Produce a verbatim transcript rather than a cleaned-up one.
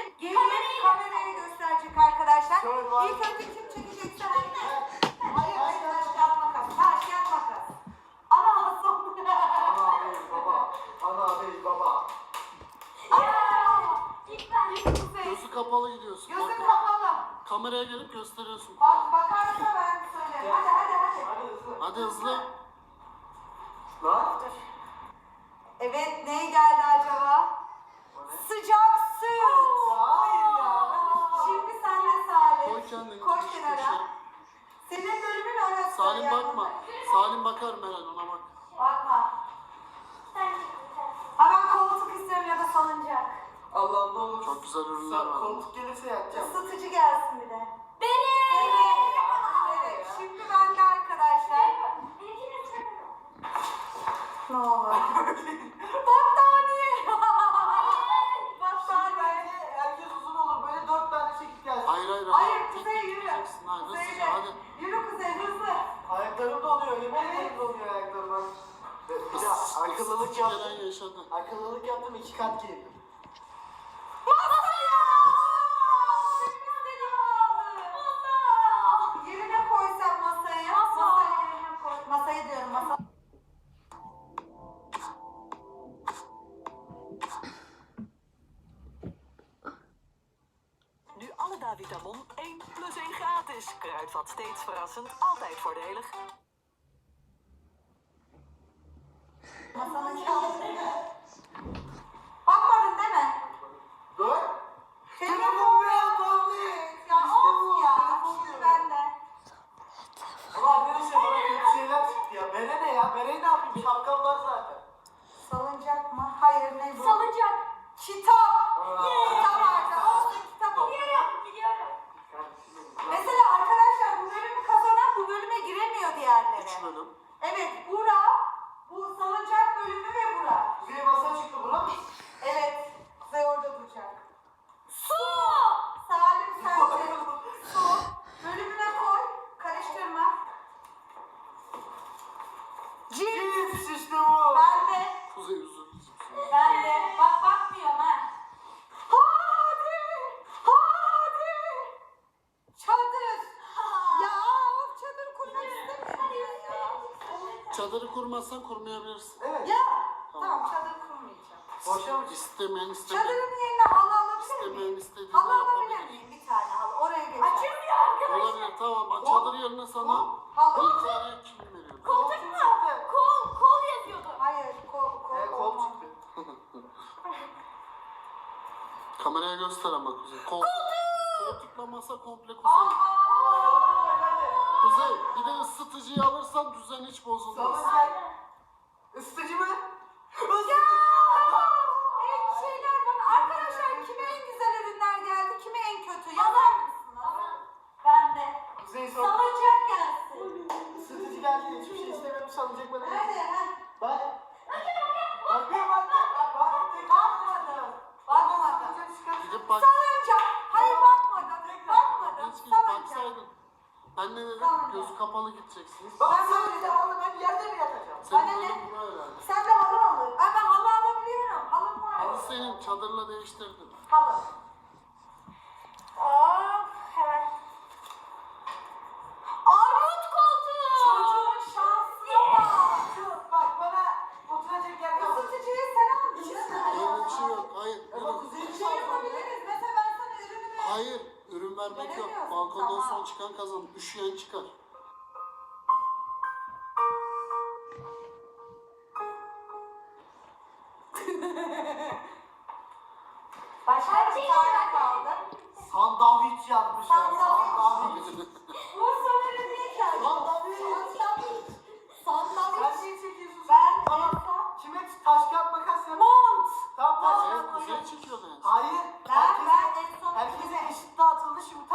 Gelin, gelin kamerayı gösterecek arkadaşlar. İlk önce kim çekecekse herkes. Hayır, hayır, taş kağıt makas. Taş kağıt makas. Ana Hasan. Ana bey baba. Ana bey baba. Gözü kapalı gidiyorsun. Gözün Bak, kapalı. kameraya gelip gösteriyorsun. Bak, bakarsa ben söylerim. Hadi, hadi, hadi. Hadi hızlı. Hadi hızlı. Lan. Evet, ne geldi acaba? O ne? Sıcak süt. Ya hayır ya. Şimdi sen de Salim. Koy kendini. Koy şu kenara. köşeye. Senin bölümün orası. Salim yani. bakma. Salim bakar Meral, ona bak. Bakma. Ha ben koltuk istiyorum ya da salıncak. Allah'ım ne olur. Çok güzel ürünler Sa- var. Koltuk gelirse yatacağım. Isıtıcı gelsin bir de. Benim. Evet, şimdi bende arkadaşlar. Ne olur. Battaniye. Battaniye. Bence herkes uzun olur. Böyle dört tane çekip gelsin. Hayır hayır. Hayır, Tek Kuzey tek yürü. gideceksin. Hayır, Kuzey hızlıca yürü. hadi. Yürü Kuzey, hızlı. Ayaklarım donuyor. Yemin ederim donuyor ayaklarım. Bak. Bir de akıllılık Gelen yaptım. yaşadı. Akıllılık yaptım. iki kat giydim. Masaya! Benim istediğimi aldı. Yerine koysam masaya. Masaya yerine koy. Masayı diyorum, masa. Nu alle Davitamon één plus één gratis. Kruidvat steeds verrassend, altijd voordelig. Masanın kağıdını. Bakmadın değil mi? Dur. Telefon ya tablet. Ya of ya. Şimdi bende. Ama arkadaşlar bana kötü şeyler çıktı ya. Bere ne ya? Bereyi ne yapayım? Şapkam var zaten. Salıncak mı? Hayır, ne bu? Salıncak. Kitap. Aa. Kitap vardı. Olsun, kitap oldu. Biliyorum, biliyorum. Kardeşim. Mesela arkadaşlar bu bölümü kazanan bu bölüme giremiyor diğerleri. Üç bölüm. Evet, Bura, bu salıncak bölümü ve Bura. Kuzey masa çıktı buna mı? Evet, Kuzey orada duracak. Su. Salim sen de su bölümüne koy, karıştırma. Cips. Cips işte bu. Ben de, Kuzey üzüldü. ben de. Bak bakmıyorum ha. Hadi, hadi. Çadır. Ya of, çadır kurmak istemiyorum ya. Çadırı kurmazsan kurmayabilirsin. Evet. Ya, tamam çadır kurmayacağım. Boşa mı çıktı? İstemeyen istemeyen. Çadırın yerine halı alabilir İstemeyen miyim? istediğini Halı alabilir yapabilir. miyim? Bir tane halı. Oraya geçelim. Açılmıyor arkadaşlar. Olabilir, tamam. Çadır yerine sana Halı. bir tane kim veriyor? Koltuk mu? Kol, kol yazıyordu. Hayır, kol, kol, Ee, kol olmaz. çıktı. Kameraya göster ama Kuzey. Koltuk. Koltukla masa komple Kuzey. Aa! Kuzey, bir de ısıtıcıyı alırsan düzen hiç bozulmaz. Salıncak. Isıtıcı mı? Ya! En şeyler bana. Arkadaşlar kime en güzel ürünler geldi, kime en kötü? Yazar mısınız? Ben de. Kuzey sor. Salıncak gelsin. Isıtıcı geldi. Hiçbir şey istemiyorum. Salıncak bana. Hadi ha. Bak. Bakıyorum bak. Bak. Bakmadım. Bakmadım. Gidip bak. Salıncak. Hayır bakmadım. Bakmadım. Hiç git Salıncak. baksaydın. Ben ne dedim? Tamam. Gözü kapalı gideceksiniz. Bak Ben sen böyle- de aldı. Ben yerde mi yatacağım? Bana Senin ne? bölüm buna herhalde. Sen de halı alır. Ay ben halı alabiliyorum. Halım var. Halı senin, çadırla değiştirdin. Halı. Of, hemen. Armut koltuğu. Çocuğun şansına bak. Şu, bak bana oturacak yer kalmadı. Isıtıcıyı sen aldın değil mi? Öyle bir şey yok. Hayır. Ama Ürün. Kuzey'in Şey şansı. yapabiliriz. Mesela ben sana ürünü ver. Hayır. Ürün vermek yok. Veremiyorsun, Balkondan tamam. son çıkan kazanır. Üşüyen çıkar. Başka bir tane kaldı. Sandviç yapmışlar. Sandviç. Sandviç. Bu sanırım değil ki. Sandviç. Sandviç. Sen Sandviç. neyi çekiyorsun? Ben Tamam. Elsa. Kime taş kağıt makas yap? Mont. Tamam taş Kuzey, kağıt makas. Kuzey çekiyordu en son. Hayır. Ben ben en son Herkese eşit dağıtıldı. Şimdi